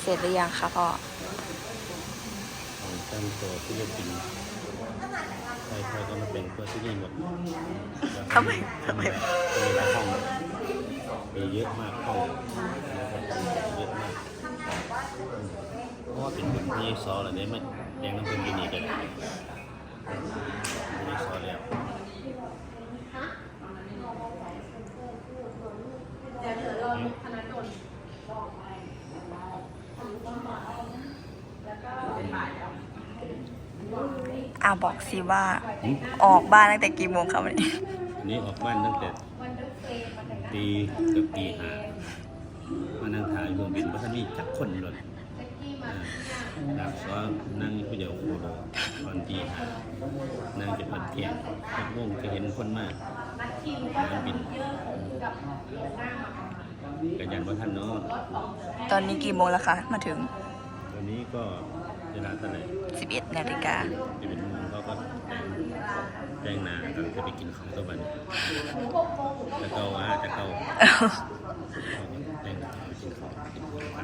ร็จหรือยังคะพ่อของตั้งตัวฟิลิปปินส์ใครๆก็มาเป็นตัวที่นี่หมดทำไมมีหลายห้องมีเยอะมากห้องเยอะมากเพราะว่าเป็นคนที่ซออะไรเนี่ยมันแดงน้ำเป็นกินอีกเลยไม่ซอแล้วบอกสิว่าออกบ้านตั้งแต่กี่โมงครับวันนี้ออกบ้านตั้งแต่ตีกับตีหามานั่งถ่ายรวมบินว่าท่านนี่จักคนหล่นดาบซ้อนั่งผู้เดียวโอ้โหตอนตีหานั่งจะเป็นเที่ยงจักวงจะเห็นคนมากมันบินกันยันว่าท่านเนาะตอนนี้กี่โมงแล้วคะมาถึงตอนนี้ก็เวลาเท่าไหร่ 11 นาฬิกา 11 โมงเขาก็แจ้งนาก็จะไปกินข้าวตัวบันจะเกาจะเกาแจ้งนาไปกินข้าวกินข้าว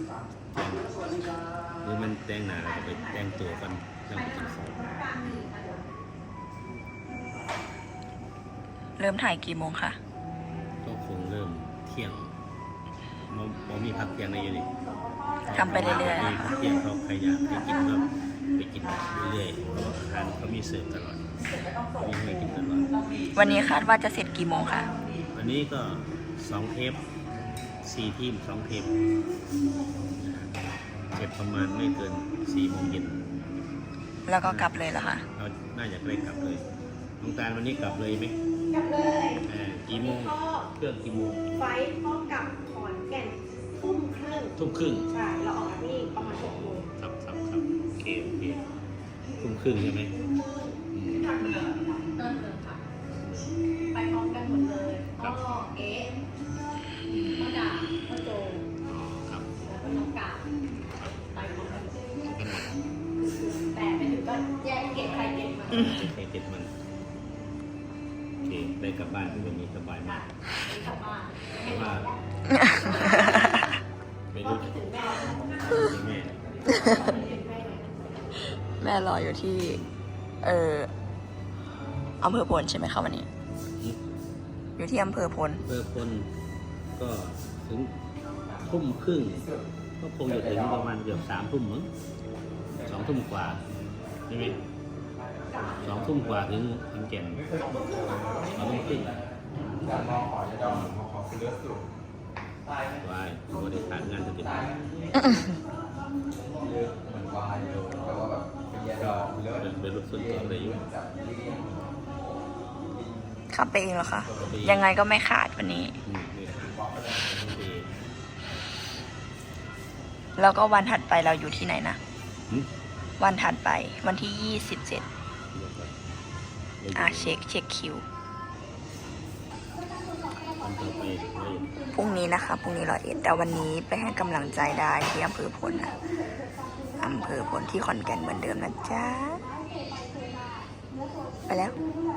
หรือมันแจ้งนาแล้วก็ไปแจ้งตัวกันต้องไปกินข้าวเริ่มถ่ายกี่โมงคะก็คงเริ่มเที่ยงมันมีพักเที่ยงในอยู่นี่ทำไปเรื่อยๆพักเที่ยงเขาใครอยากไปกินก็ไปกินเรื่อยๆเพราะว่าอาหารเขามีเสิร์ฟตลอดมีให้กินตลอดวันนี้คาดว่าจะเสร็จกี่โมงคะวันนี้ก็2 เทป 4 ทีม 2 เทปเก็บประมาณไม่เกิน 4 โมงเย็นแล้วก็กลับเลยเหรอคะเราน่าจะได้กลับเลยน้องตาลวันนี้กลับเลยไหมกลับเลยกี่โมงเครื่องกี่โมงไฟพ่อกลับขอนแก่นทุ่มครึ่งใช่เราออกจากนี่ประมาณ6 โมงครับโอเคทุ่มครึ่งใช่ไหมไปพร้อมกันหมดเลยพ่อเอ๊ะพ่อดาพ่อโจครับแล้วก็น้องกาไปพร้อมกันแต่ไปถึงก็แยกเก็บใครเก็บมันโอเคได้กลับบ้านเป็นวันนี้สบายมากกลับบ้านเพราะว่าไม่รู้จะแม่รออยู่ที่อำเภอพลใช่ไหมคะวันนี้อยู่ที่อำเภอพลก็ถึงทุ่มครึ่งก็คงจะถึงประมาณเกือบ3 ทุ่มมั้ง2 ทุ่มกว่าใช่ไหม2 ทุ่มกว่าถึงขอนแก่น2 ทุ่มครึ่งวายบริการงานจะเป็นเป็นรถส่วนตัวเลยอยู่ขับไปเองเหรอคะยังไงก็ไม่ขาดวันนี้แล้วก็วันถัดไปเราอยู่ที่ไหนนะวันถัดไปวันที่27เช็คคิวพรุ่งนี้นะคะพรุ่งนี้101แต่วันนี้ไปให้กำลังใจได้ที่อำเภอพลนะอำเภอพลที่ขอนแก่นเหมือนเดิมนะจ๊ะไปแล้ว